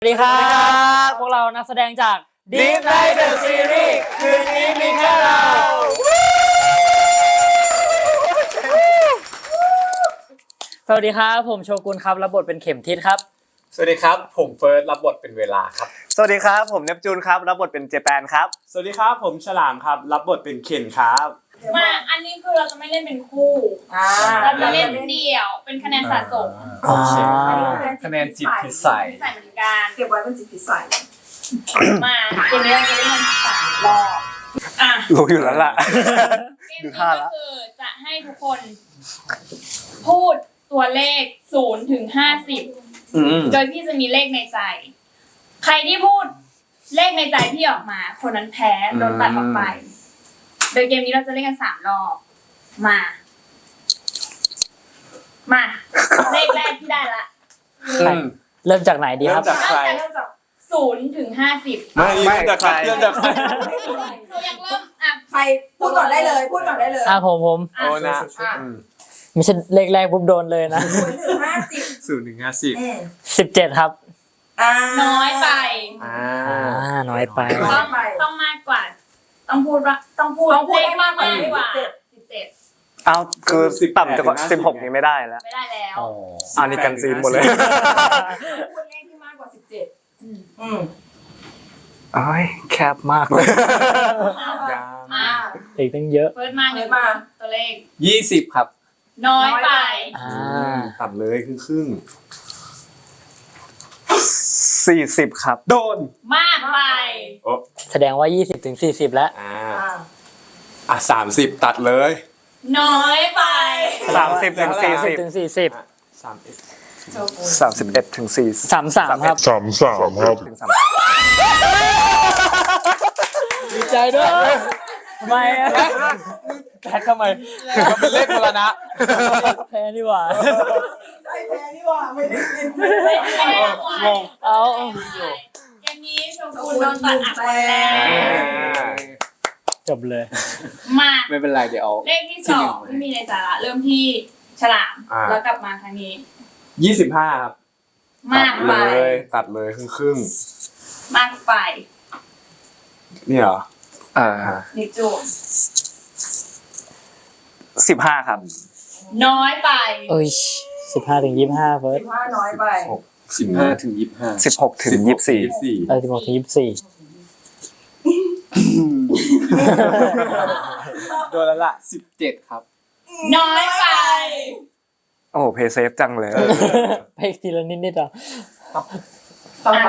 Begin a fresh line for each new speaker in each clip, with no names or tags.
สวัสดีครับพวกเรานักแสดงจาก Deep Night The Series คืนนี้มีแค่เราสวัสดีครับผมโชกุนครับรับบทเป็นเข็มทิศครับ
สวัสดีครับผมเฟิร์สรับบทเป็นเวลาครับ
สวัสดีครับผมเนปจูนครับรับบทเป็นเจแปนครับ
สวัสดีครับผมฉลามครับรับบทเป็นเคนครับ
มาอันนี้คือเราจะไม่เล่นเป็นคู่เราจะเล่นเดี่ยวเป็นคะแนนสะสม
คะแนนจิตพิสัย
เหมือนกัน
เก็บไว้เป็นจิตพิสัย
มาเกมนี้เราจะเล่นกัน3 รอบ
รู้อยู่แล้วล่ะ
เกมนี้ก็คือจะให้ทุกคนพูดตัวเลข0 ถึง 50โดยพี่จะมีเลขในใจใครที่พูดเลขในใจพี่ออกมาคนนั้นแพ้โดนตัดออกไปโดยเกมนี้เราจะเล่นกัน3 รอบมาเลขแรกที่ได้ละ
เริ่มจากไหนดีครับ
เริ่มจากใคร
0 ถึง 50
ไม่จากใครเริ่มจากใคร
หนูอยากเริ่ม
ใครพูดก่อนได้เลยพูดก่อนได้เลย
ผม
โอ้นะ
ไม่ใช่เลขแรกปุ๊บโดนเลยนะ
0 ถึง 50
17ครับ
น้อยไป
น้อยไป
ต้องมากกว่าต้องพูดเลขมากกว่า17
เอาคือต่ำจาก16นี่ไม่ได้แล้ว
ไม่ได้แล้ว
อันนี้กันซีนหมดเลย
พูดเลขที่มากกว่า17
โอ้ยแคบมากเลย
อีกตั้งเยอะ
เฟิร์สมาตัวเลข
20ครับ
น้อยไป
ต่ำเลยครึ่ง
40ครับ
โดน
มากไป
แสดงว่า20 ถึง 40แล้ว
30ตัดเลย
น้อยไป
30 ถึง 40
ถึง
31 ถึง 40
33ครับ
33ครับ
ถึง
ดีใจด้วยทำไม
แพ้ทำไมก็เป็นเลขมรณะ
แพ้นี่หว่า
ใช่แพ้นี่ว่าไม่ได้เล่น
งงอย่างนี้ชมพูโดนตัดอัดไปแล้ว
จบเลย
มา
ไม่เป็นไรเดี๋ยว
เลขที่2ที่มีในสาระเริ่มที่ฉลามแล้วกลับมาครั้งนี้
25ครับ
มากไป
ตัดเลยครึ่ง
มากไป
นี่เหรอ
นิจู
15ครับ
น้อยไป
15 ถึง 25เฟิร์ส
15น้อยไป
15 ถึง 25
16 ถึง 24
16 ถึง 24
โดนแล้วล่ะ17ครับ
น้อยไป
โอ้เพย์เซฟจังเลย
ไปทีละนิดๆ
ต่อไป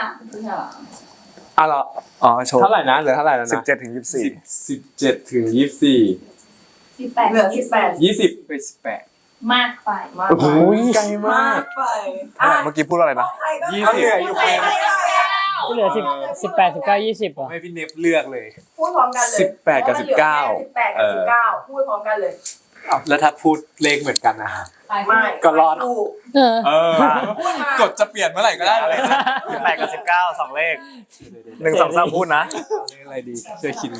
เหรอโชว์
เท่าไหร่นะเหลือเท่าไหร่แล้วนะ
17 ถึง 24
17 ถึง 24
18
เหลือ18
20 ไป 18
มากไป
โอ้โหไกลมาก
ไป
เมื่อกี้พูดอะไรนะ
20อยู่ไป
ที่เหลือ18 19 20
ให้พี่เนฟเลือกเลย
พูดพร้อมกันเลย
18 กับ 19
18 กับ 19พูดพร้อมกันเลย
แล้วถ้าพูดเลขเหมือนกันนะ
ไม่
ก็รอดกดจะเปลี่ยนเมื่อไหร่ก็ได้เลย
18 กับ 19 2 เลข1 2 3พูดนะ
อะไรดีเชื่อคิด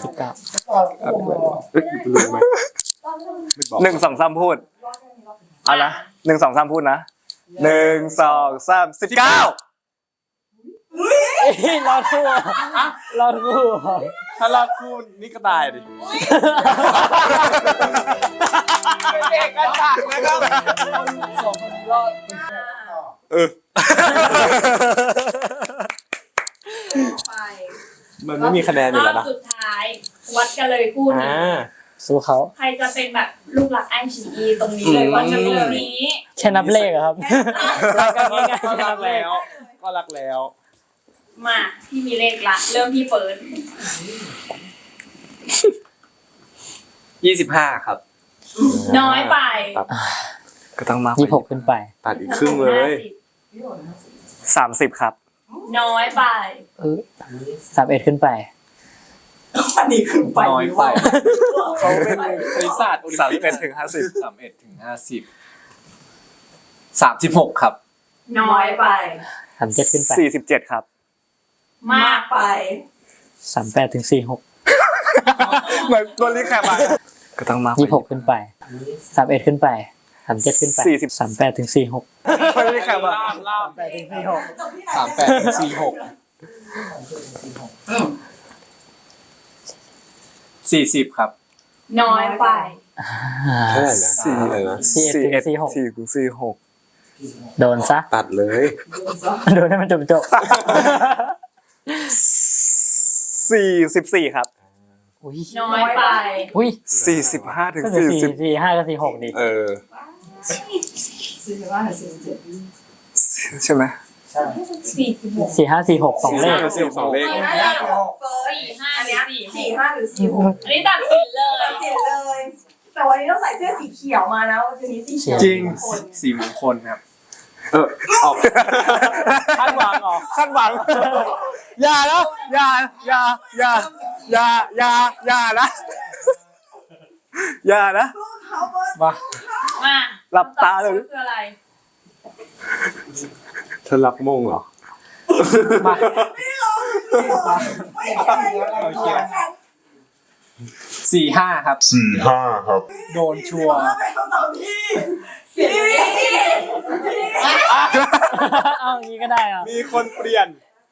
ลืมไหม1 2 3พูดเอานะ1 2 3พูดนะ1 2 3 19
รอดคู่
ถ้ารอดคู่นี่ก็ตายดิเป็นเอกฉันท์นะครับ2 คนรอดมันไม่มีคะแนนอยู่แล้วนะ
สุดท้ายวัดกันเลยคู่นี้
สู้เขา
ใครจะเป็นแบบลูกหลักไอชีตรงนี้เลยวัดกันตรงนี้
แค่นับเลขครับรักกันง่ายๆแค่นับเลข
ก็รักแล้ว
มาที่มีเลขละเริ่มที่เฟิร์ส
25ครับ
น้อยไป
ก็ต้องมาก
26ขึ้นไป
ตัดอีกครึ่งเลย
30ครับ
น้อยไป
31ขึ้นไป
อันนี้ขึ้นไป
น้อยไปเขาเป็นบริษัท
31 ถึง 50
31 ถึง 50 36ครับ
น้อยไป
37ขึ้นไป
47ครับ
มากไป
38 ถึง 46
เหมือนตัวรีแคปอ่ะก็ต้องมาก
26ขึ้นไป31ขึ้นไป 37ขึ้นไป
40
38ถึง46
ไม่ได้แข่งมา
38ถึง46
จบที่ไหน
3846 40ครับ
น้อยไป
เท่าไหร่นะ
สี่
อะไรนะ
41
46
4ถึง46
โดนซะ
ตัดเลย
โดนให้มันจบ
44ครับ
อุ้ย
น้อยไป
อุ้ย
45ถึง
ก็คือ45กับ46ดิ
เออ
45 47
ใช่ไหม
46
45 46 2เลข
สองเลข
เฟิร์ส
45
อัน
หรื
เนี้
อย
45หรือ46
อันนี้ตัดสินเลย
ตัดสินเลย แต่วันนี้ต้องใส่เสื้อสีเขียวมานะวันนี้สีเขียว
จริง
คน
สีมงคลครับ
ออก
คาดหวังเหรอ
คาดหวังอย่านะอย่านะอย่านะ
เขาเบิร์ด
มา
มา
หลับตาเลย
คืออะไร
เธอรักมงเหรอ
มา
ไม่ใช่อะไรเลย
45 ครับ
โดนชัวร์
เป็นคำตอบที่สี
เอาอย่างนี้ก็ได้อ่ะ
มีคนเปลี่ยน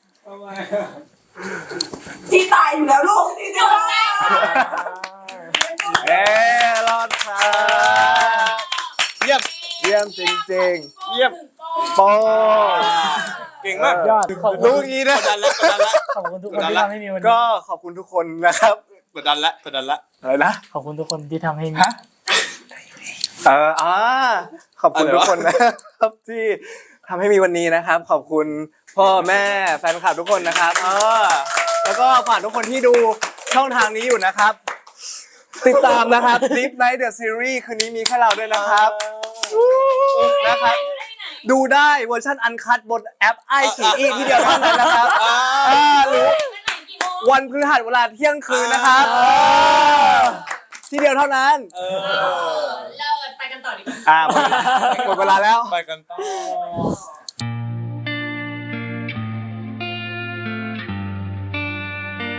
ที่ตายอยู่แล้วลูกที่จะว่า
รอดครับเยี่ยมจริงๆเยี่ยมโป
เก่งมาก
ยอดขอบคุณ
รู้อย่างนี้นะ
กดดันแล้ว
ขอบคุณทุกคนที่ทำให้มีวันนี้
ก็ขอบคุณทุกคนนะครับ
กดดันแล้ว
อะไรนะ
ขอบคุณทุกคนที่ทำให้มี
ขอบคุณทุกคนนะครับที่ทำให้มีวันนี้นะครับ ขอบคุณพ่อแม่แฟนคลับทุกคนนะครับแล้วก็ฝากทุกคนที่ดูช่องทางนี้อยู่นะครับ ติดตามนะครับ Deep Night The Series คืนนี้มีแค่เราด้วยนะครับนะครับ ดูได้เวอร์ชันอันคัดบนแอปไอฉีอีที่เดียวเท่านั้นนะครับหรือวันพฤหัสเวลาเที่ยงคืนนะครับที่เดียวเท่านั้น
เลิศไปกันต่อดีกว่า
หมดเวลาแล้ว
ไปกันต่อ